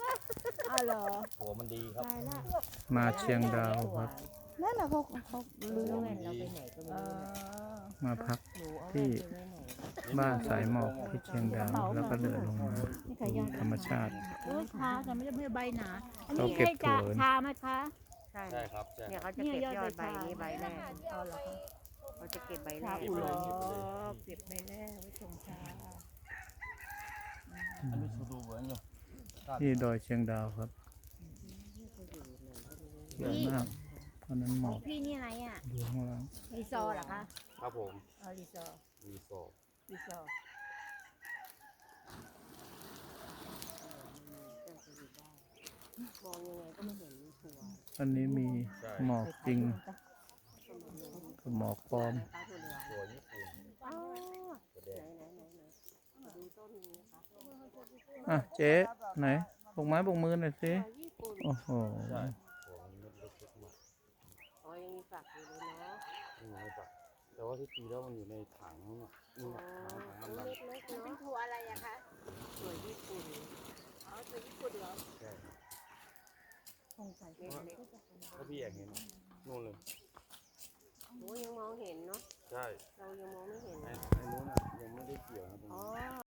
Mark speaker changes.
Speaker 1: อ้าวเหรอ
Speaker 2: หัวมันดีครับ
Speaker 1: ตายละ
Speaker 3: มาเชียงดาวครับ
Speaker 1: นั่นน่ะเขาลืม
Speaker 4: แว่นเราไปไหนก็ไม่รู้เนี่ย
Speaker 3: มาพัก
Speaker 4: หนูเอาแว่
Speaker 3: ที่
Speaker 4: นไปไว้ไหน
Speaker 3: บ้านสายหมอกที่เชียงดาวแล้วก็เดินลงมา
Speaker 1: นี่ขายา
Speaker 3: ธรรมชาติ
Speaker 1: โอ้ยทาแต่ไม่ได้ใบหนาอัน
Speaker 3: เขา
Speaker 1: นี้
Speaker 3: เก็บ
Speaker 1: ให้จะ
Speaker 3: ถั่ว
Speaker 1: ทาไหมคะ
Speaker 4: ใช่
Speaker 2: ใช่ครับใช่
Speaker 4: เนี่ยเขาจะเก็บยอดใบนี้ใบแรก
Speaker 1: เอาเหรอคะ
Speaker 4: เขาจะเก็บใบแร
Speaker 1: ทาก อุ่น
Speaker 4: เล
Speaker 1: เหร
Speaker 4: ย
Speaker 1: อเก็บใบแรกไว้ส่งชา
Speaker 2: อันนี้สูดูเหมือนอยู่
Speaker 3: ที่ดอยเชียงดาวครับสวยมากเพราะนั้นหมอก
Speaker 1: พี่นี่อะไรอ่ะ
Speaker 3: ดูข้างล่าง
Speaker 1: รีซอร์เหรอคะ
Speaker 2: ครับผม
Speaker 1: รีซอร์
Speaker 2: มีโซ
Speaker 1: รีซอร์
Speaker 4: มองยังไงก็ไม่เห็นถั่ว
Speaker 3: อันนี้มีหมอกจริงกับหมอกปลอม
Speaker 4: ตาถั่วเหลือง
Speaker 2: ตัวญี่ปุ่น
Speaker 1: อ๋อ
Speaker 2: ตัวแดง
Speaker 4: ไหนดูต้นนี้นะคะ
Speaker 3: อ่ะเจ๊ไหนปกไม้ปกมือหน่อยสิ
Speaker 4: ญี่ปุ่น
Speaker 3: โอ้โห
Speaker 2: ใช่หัวมันเม็ดเล็กๆมาก
Speaker 4: อ๋อยังมีฝักอยู่เลยเนาะ
Speaker 2: นี่ไงปะแต่ว่าที่จริงแล้วมันอยู่ในถังนู่นน่ะนี่
Speaker 4: อ๋อ
Speaker 2: น่ะถังมัน
Speaker 4: เล็กๆ
Speaker 1: เป็น
Speaker 4: เนาะ
Speaker 1: ถั่วอะไรอะคะ
Speaker 4: ถั่วญี่ปุ่น
Speaker 1: อ๋อถั่วญี่ปุ่นเหรอ
Speaker 2: ใช่
Speaker 1: คงใส่
Speaker 4: เล็ก
Speaker 2: ถ้าพี่อยากเห็นนู่นเลย
Speaker 4: ๆหนูยังมองเห็นเนาะ
Speaker 2: ใช่
Speaker 4: เรายังมองไม่เห็น
Speaker 2: ไอ้นู้นน่ะยังไม่ได้เกี่ยวนะตรง
Speaker 4: อ๋
Speaker 2: นี้
Speaker 4: อ